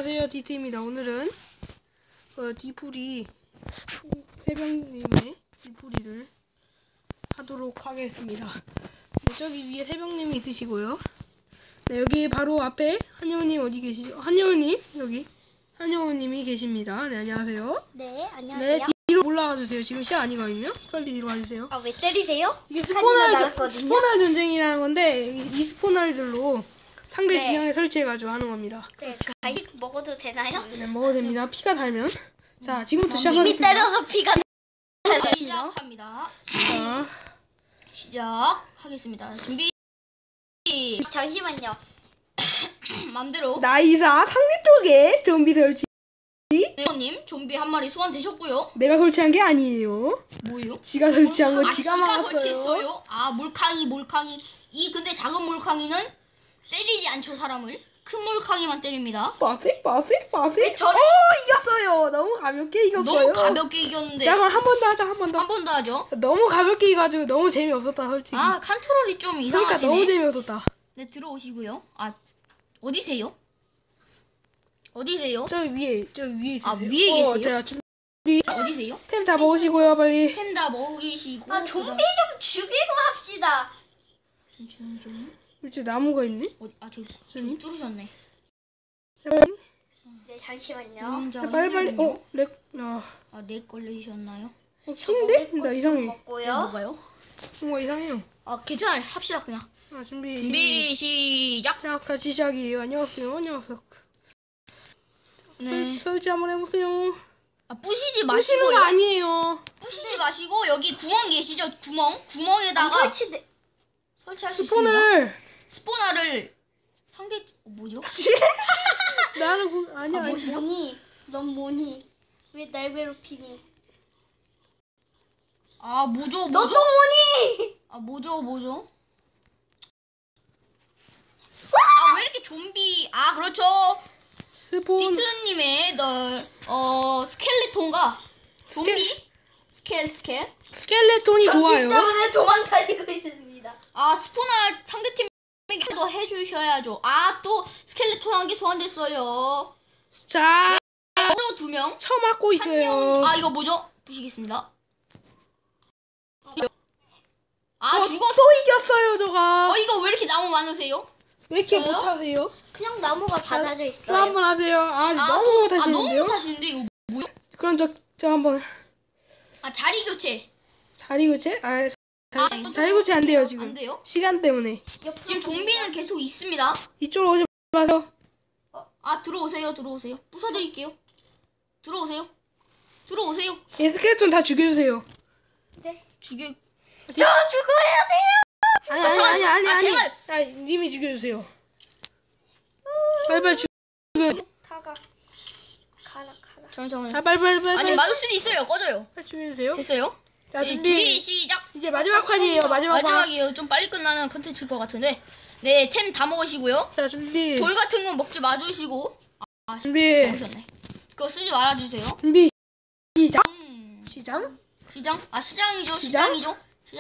안녕하세요, 디트입니다. 오늘은 디풀이 새벽님의 디풀이를 하도록 하겠습니다. 네, 저기 위에 새벽님이 있으시고요. 네, 여기 바로 앞에 한여우님 어디 계시죠? 한여우님 여기 한여우님이 계십니다. 네, 안녕하세요. 네, 안녕하세요. 네, 뒤로 올라가 주세요. 지금 시간 아니거든요. 빨리 뒤로 와주세요. 아, 왜 때리세요? 이게 스포날 전쟁이라는 건데 이 스포날들로 상대 진영에 설치해가지고 하는 겁니다. 네, 간식 먹어도 되나요? 네, 먹어도 됩니다. 피가 달면. 자, 지금부터 이미 시작하겠습니다. 때려서 피가 시작합니다. 자, 시작하겠습니다. 준비. 잠시만요. 맘대로. 나이사 상대 쪽에 좀비 설치. 네오님 좀비 한 마리 소환되셨고요. 내가 설치한 게 아니에요. 뭐예요? 지가 설치한 거 아, 지가 지가 막았어요. 설치했어요? 아, 몰캉이. 이 근데 작은 몰캉이는 때리지 않죠, 사람을. 큰 몰캉이만 때립니다. 빠색. 저를- 이겼어요. 너무 가볍게 이겼어요. 너무 가볍게 이겼는데. 자, 그럼 한 번 더 하자. 한 번 더. 한 번 더 하죠. 너무 가볍게 이가지고 너무 재미없었다, 솔직히. 아, 컨트롤이 좀 그러니까 이상하시네. 너무 재미없었다. 네, 들어오시고요. 아, 어디세요? 어디세요? 저기 위에 있으세요. 아, 위에 계세요? 자, 준비. 어디세요? 템 다 먹으시고요, 빨리. 템 다 먹이시고. 아, 좀비 좀 죽이고 합시다. 좀. 그렇지, 나무가 있네. 어디? 아, 저기 뚫으셨네. 자, 빨리. 네, 잠시만요. 자, 빨리. 렉. 아, 렉 걸리셨나요? 킹인데? 나 이상해. 먹고요. 뭐가요? 뭔가 이상해요. 아, 괜찮아요. 합시다, 그냥. 준비. 시작! 자, 같이 시작이에요. 안녕하세요. 네. 설치 한번 해보세요. 아, 부시지 부시는 거 마시고요. 아니에요. 부시지 마시고, 여기 구멍 계시죠? 구멍에다가 설치할 수 있습니다. 스포너를 뭐죠? 나는 아니야. 넌 뭐니? 왜 날 괴롭히니? 아, 뭐죠? 너도 뭐니? 아, 뭐죠? 아, 왜 이렇게 좀비, 아, 그렇죠. 스폰. 디트님의 스켈레톤과 좀비 스켈 스켈레톤이 좋아요. 때문에 도망다니고 있습니다. 아, 스포나 상대팀에게 더 해주셔야죠. 아, 또 스켈레톤 한 개 소환됐어요. 자, 서로 2명. 쳐맞고 있어요. 아, 이거 뭐죠? 부시겠습니다. 아, 죽었어. 또 이겼어요, 저가. 이거 왜 이렇게 나무 많으세요? 왜 이렇게 저요? 못하세요? 그냥 나무가 받아져 또 있어요. 한번 하세요. 너무 너무 못하시는데요? 못하시는데 이거 뭐야? 그럼 저 한번 아, 자리 교체. 자리 교체? 자리 교체 안 돼요, 지금. 안 돼요? 시간 때문에. 지금 좀비는 계속 있습니다. 이쪽으로 오지 마세요. 아, 들어오세요. 부숴드릴게요. 들어오세요. 예, 스켈레톤 다 죽여주세요. 네. 저 죽어야 돼요. 아니. 제발. 님이 죽여주세요. 빨리 죽여. 가라. 잠깐만요. 빨리. 아니, 맞을 수도 있어요. 꺼져요. 빨리 죽여주세요. 됐어요? 자, 네, 준비 시작. 이제 마지막 판이에요. 마지막 판. 마지막이에요. 좀 빨리 끝나는 컨텐츠일 것 같은데. 네, 템 다 먹으시고요. 자, 준비. 돌 같은 건 먹지 마주시고. 준비. 먹으셨네. 그거 쓰지 말아주세요. 준비. 시작. 시장? 시장. 시장이죠.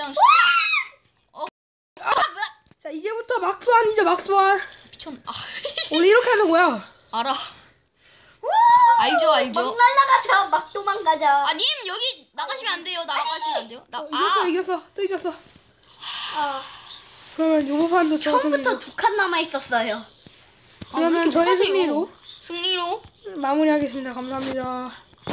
자, 이제부터 막수환. 미쳤. 원래 이렇게 하는 거야. 알아. 알죠. 막 날아가자. 막 도망가자. 님 여기 나가시면 안 돼요. 나가시면 안 돼요. 이겼어. 또 이겼어. 아, 그러면 요거 판도 처음부터 2칸 남아 있었어요. 그러면 저의 승리로 승리로 마무리하겠습니다. 감사합니다.